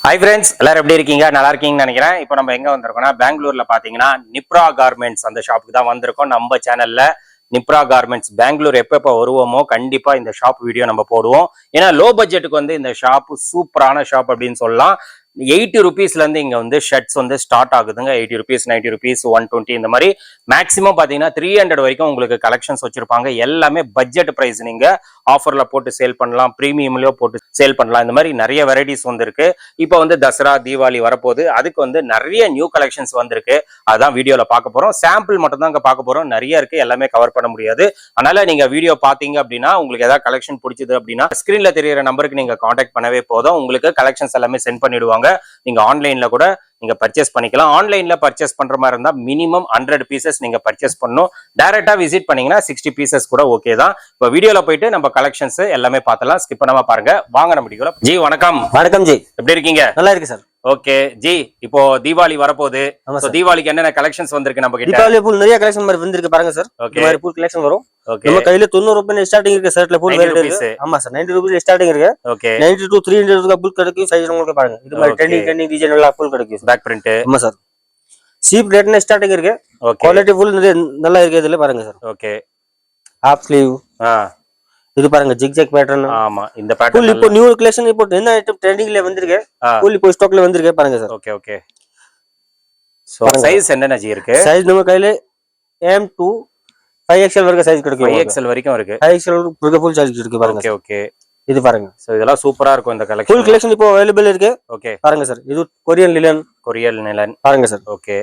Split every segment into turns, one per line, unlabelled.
Hi friends, எல்லாரும் எப்படி இருக்கீங்க? நல்லா இருக்கீங்கன்னு நினைக்கிறேன். இப்போ நம்ம எங்க வந்திருக்கோம்னா பெங்களூர்ல பாத்தீங்கன்னா நிப்ரா கார்மெண்ட்ஸ் அந்த ஷாப்புக்கு தான் வந்திருக்கோம். நம்ம சேனல்ல நிப்ரா கார்மெண்ட்ஸ் பெங்களூர் எப்ப வருவோமோ கண்டிப்பா இந்த ஷாப் வீடியோ நம்ம போடுவோம். ஏன்னா லோ பட்ஜெட்டுக்கு வந்து இந்த ஷாப் சூப்பரான ஷாப் அப்படின்னு சொல்லலாம். 80 rupeesல இருந்து இங்க வந்து ஷர்ட்ஸ் வந்து ஸ்டார்ட் ஆகுதுங்க. 80 rupees, 90 rupees, 120 இந்த மாதிரி மேக்ஸிமம் பாத்தீங்கன்னா 300 வரைக்கும் உங்களுக்கு கலெக்ஷன்ஸ் வச்சிருப்பாங்க. எல்லாமே பட்ஜெட் பிரைஸ். நீங்க ஆஃபர்ல போட்டு சேல் பண்ணலாம், பிரீமியம்லயோ போட்டு சேல் பண்ணலாம். இந்த மாதிரி நிறைய வெரைட்டிஸ் வந்திருக்கு. இப்போ வந்து தசரா தீபாவளி வரப்போகுது. அதுக்கு வந்து நிறைய நியூ கலெக்ஷன்ஸ் வந்திருக்கு. அதான் வீடியோல பார்க்க போறோம். சாம்பிள் மட்டும் தான் இங்க பார்க்க போறோம். நிறைய இருக்கு, எல்லாமே கவர் பண்ண முடியாது. அதனால நீங்க வீடியோ பாத்தீங்க அப்படின்னா உங்களுக்கு ஏதாவது கலெக்ஷன் பிடிச்சது அப்படின்னா ஸ்கிரீன்ல தெரியுற நம்பருக்கு நீங்க கான்டாக்ட் பண்ணவே போதும். உங்களுக்கு கலெக்ஷன்ஸ் எல்லாமே சென்ட் பண்ணிடுவாங்க. நீங்க ஆன்லைன்ல கூட நீங்க பர்ச்சேஸ் பண்ணிக்கலாம். ஆன்லைன்ல பர்ச்சேஸ் பண்ற மாதிரி இருந்தா மினிமம் 100 பீசஸ் நீங்க பர்ச்சேஸ் பண்ணணும். டைரக்டா விசிட் பண்ணீங்கன்னா 60 பீசஸ் கூட ஓகே தான். இப்போ வீடியோல போயிட்டு நம்ம கலெக்ஷன்ஸ் எல்லாமே பார்த்தலாம். ஸ்கிப் பண்ணாம பாருங்க. வாங்க நம்ம வீடியோல. ஜி வணக்கம்.
வணக்கம் ஜி,
எப்படி இருக்கீங்க?
நல்லா இருக்கு சார்.
ஓகே ஜி, இப்போ தீபாவளி வரப்போகுது. சோ தீபாவளிக்கு என்னென்ன கலெக்ஷன்ஸ் வந்திருக்கு நம்ம கிட்ட?
தீபாவளி பூல் நிறைய கலெக்ஷன் மாதிரி வந்திருக்கு பாருங்க சார். இந்த மாதிரி பூல் கலெக்ஷன் வரும். நம்ம கையில 90 ரூபாய் ஸ்டார்டிங் இருக்கு. ஷர்ட்ல பூல் வேற இருக்கு. ஆமா சார், 90 ரூபாய் ஸ்டார்டிங் இருக்கு.
ஓகே,
90 to 300 ரூபாய் பூல் கிடைக்கும். சைஸ் உங்களுக்கு பாருங்க. இது மாதிரி ட்ரெண்டிங் டிசைன் எல்லாம் பூல் கிடைக்கும்.
Back print.
ஆமா சார், சீப் ரேட்ல ஸ்டார்டிங் இருக்கு. குவாலிட்டி பூல் நல்லா இருக்கு. இதுல பாருங்க சார்.
Okay,
half sleeve. இது பாருங்க ஜிக்ஜாக் பேட்டர்ன்.
ஆமா, இந்த பேட்டர்ன்
இப்போ நியூ கலெக்ஷன் இப்போ என்ன ஐட்டம் ட்ரெண்டிங்ல வந்திருக்கு. பூல் இப்போ ஸ்டாக்ல வந்திருக்கு பாருங்க sir.
Okay okay. So size என்னென்ன ஜி இருக்கு?
சைஸ் நம்ம கையில M to 5XL வரைக்கும் சைஸ் கிடைக்கும்.
5XL வரைக்கும் இருக்கு.
5XL வரைக்கும் ஃபுல் சைஸ் இருக்கு பாருங்க.
Okay okay.
இது பாருங்க.
சோ இதெல்லாம் சூப்பரா இருக்கும் இந்த கலெக்ஷன்.
ஃபுல் கலெக்ஷன் இப்போ அவைலபிள் இருக்கு.
ஓகே,
பாருங்க சார். இது கொரியன் லினன் பாருங்க சார்.
ஓகே,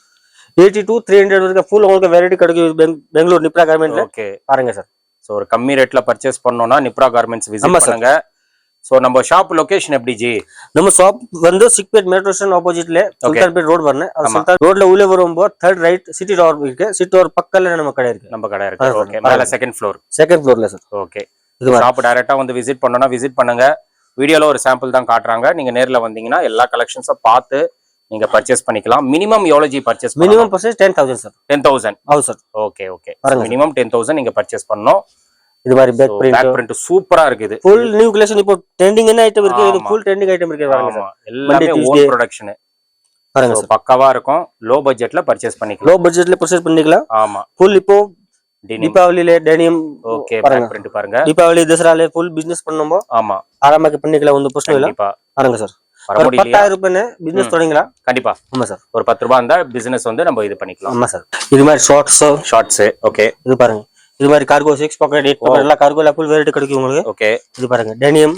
80 to 300 வரைக்கும் ஃபுல் உங்களுக்கு வெரைட்டி கிடைக்கும் பெங்களூர் நிப்ரா கார்மெண்ட்ல. ஓகே பாருங்க சார்.
சோ ஒரு கம்மி ரேட்ல பர்ச்சேஸ் பண்ணனும்னா நிப்ரா கார்மெண்ட்ஸ் விசிட் பண்ணுங்க. சோ நம்ம ஷாப் லொகேஷன் எப்படி ஜி?
நம்ம ஷாப் வந்து சிக்பேட் மெட்ரோ ஸ்டேஷன் ஆப்போசிட்ல சுல்தான்பேட் ரோட் வரணும். சுல்தான் ரோட்ல உள்ள வரும்போது 3rd ரைட் சிட்டி டவர் இருக்கு. சிட்டி டவர் பக்கத்துல நம்ம கடை இருக்கு.
நம்ம கடை இருக்கு. ஓகே, மேல செகண்ட் ஃப்ளோர்ல சார். ஓகே,
இது
ஷாப் டைரக்டா வந்து விசிட் பண்ணனும்னா விசிட் பண்ணுங்க. வீடியோல ஒரு சாம்பிள் தான் காட்றாங்க. நீங்க நேர்ல வந்தீங்கன்னா எல்லா கலெக்ஷன்ஸும் பார்த்து நீங்க பர்ச்சேஸ் பண்ணிக்கலாம். மினிமம் எவ்வளவு ji purchase?
Minimum purchase 10,000 sir.
10,000
ஆமா சார்.
Okay okay. மினிமம் 10,000 நீங்க பர்ச்சேஸ் பண்ணனும்.
இது மாதிரி பேக் பிரிண்ட்
சூப்பரா இருக்குது.
ஃபுல் நியூ கலெக்ஷன் இப்போ ட்ரெண்டிங் என்ன ஐட்டம் இருக்கு. இது ஃபுல் ட்ரெண்டிங் ஐட்டம் இருக்கு பாருங்க சார்.
எல்லாமே ஓன் ப்ரொடக்ஷன் பாருங்க சார். பக்காவா இருக்கும். லோ பட்ஜெட்ல பர்ச்சேஸ் பண்ணிக்கலாம்.
லோ பட்ஜெட்ல பர்ச்சேஸ் பண்ணிக்கலாம்.
ஆமா,
ஃபுல் இப்போ தீபாவளில டெனிம்.
ஓகே, பேக் பிரிண்ட் பாருங்க.
தீபாவளி தசரால ஃபுல் பிசினஸ் பண்ணும்போது
ஆமா
ஆரம்பக்கு பண்ணிக்கலாம். ஒன்றும் பிரச்சனை இல்ல. பாருங்க சார், 10,000 ரூபாய் பிசினஸ் தொடங்கலாம்.
கண்டிப்பா. ஆமா சார், ஒரு 10 ரூபாய் இருந்தா பிசினஸ் வந்து நம்ம இது பண்ணிக்கலாம்.
ஆமா சார். இது மாதிரி ஷார்ட்ஸ். ஓகே, இது பாருங்க. இது மாதிரி கார்கோ 6 பாக்கெட் 8 பாக்கெட் எல்லாம் கார்கோல ஃபுல் வெரைட்டி கிடைக்கும் உங்களுக்கு.
ஓகே,
இது பாருங்க டெனிம்.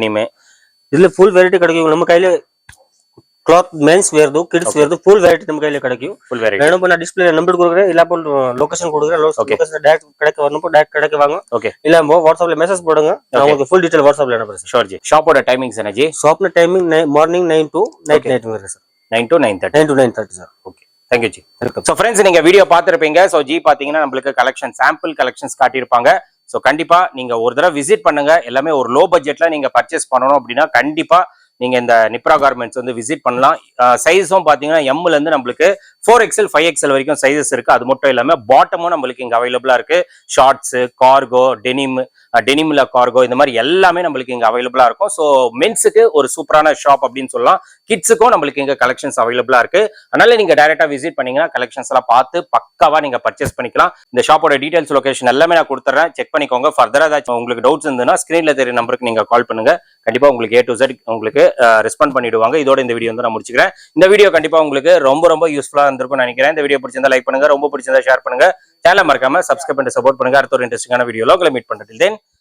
இதுல
ஃபுல் வெரைட்டி கிடைக்கும். நம்ம கையில cloth men's wear kids wear full variety நம்ம கையில கிடைக்கும். ஃபுல் வெரைட்டி வேணும். நான் டிஸ்ப்ளே நம்பர் கொடுக்குறேன். இல்ல அப்போ லொகேஷன் கொடுக்குறேன். லொகேஷன் டைரக்ட் கடைக்கு வரணும். டைரக்ட் கடைக்கு வாங்க. ஓகே, இல்ல வாட்ஸ்அப்ல மெசேஜ் போடுங்க. நான் உங்களுக்கு ஃபுல் டீடைல் வாட்ஸ்அப்ல அனுப்புறேன். ஷூர் ஜி. ஷாப்போட டைமிங்ஸ் என்ன ஜி? ஷாப்ல டைமிங் மார்னிங் 9 to நைட் வரை sir. 9 to 9:30 sir. Okay, thank you ji.
So friends, நீங்க வீடியோ பார்த்திருப்பீங்க. சோ ஜி பாத்தீங்கன்னா நம்மளுக்கு கலெக்ஷன் சாம்பிள் கலெக்ஷன்ஸ் காட்டியிருப்பாங்க. சோ கண்டிப்பா நீங்க ஒரு தடவை விசிட் பண்ணுங்க. எல்லாமே ஒரு லோ பட்ஜெட்ல நீங்க பர்ச்சேஸ் பண்ணணும் அப்படின்னா கண்டிப்பா நீங்க இந்த நிப்ரா கார்மெண்ட்ஸ் வந்து விசிட் பண்ணலாம். சைஸும் பாத்தீங்கன்னா எம்ல இருந்து நம்மளுக்கு 4XL 5XL வரைக்கும் சைஸஸ் இருக்கு. அது மட்டும் இல்லாம பாட்டமும் நம்மளுக்கு இங்க அவைலபிளா இருக்கு. ஷார்ட்ஸ், கார்கோ, டெனிம்ல கார்கோ, இந்த மாதிரி எல்லாமே நம்மளுக்கு இங்க அவைலபிளா இருக்கும். ஸோ மென்ஸுக்கு ஒரு சூப்பரான ஷாப் அப்படின்னு சொல்லலாம். கிட்ஸுக்கும் நம்மளுக்கு இங்க கலெக்ஷன்ஸ் அவைலபிளா இருக்கு. அதனால நீங்க டைரக்டா விசிட் பண்ணீங்கன்னா கலெக்ஷன்ஸ் எல்லாம் பார்த்து பக்காவா நீங்க பர்ச்சேஸ் பண்ணிக்கலாம். இந்த ஷாப்போட டீடைல்ஸ் லொகேஷன் எல்லாமே நான் கொடுத்துறேன். செக் பண்ணிக்கோங்க. ஃபர்தரா ஏதாச்சும் உங்களுக்கு டவுட்ஸ் இருந்ததுன்னா ஸ்கிரீன்ல தெரிய நம்பருக்கு நீங்க கால் பண்ணுங்க. கண்டிப்பா உங்களுக்கு A to Z உங்களுக்கு ரெஸ்பாண்ட் பண்ணிடுவாங்க. இதோட இந்த வீடியோ வந்து நான் முடிச்சுக்கிறேன். இந்த வீடியோ கண்டிப்பா உங்களுக்கு ரொம்ப யூஸ்ஃபுல்லா இருந்திருக்கும்னு நினைக்கிறேன். இந்த வீடியோ பிடிச்சிருந்தா லைக் பண்ணுங்க. ரொம்ப பிடிச்சிருந்தா ஷேர் பண்ணுங்க. சேனலை மறக்காம சப்ஸ்கிரைப் பண்ணி சப்போர்ட் பண்ணுங்க. அடுத்த ஒரு இன்ட்ரெஸ்டிங்கான வீடியோல உங்களை மீட் பண்றேன்.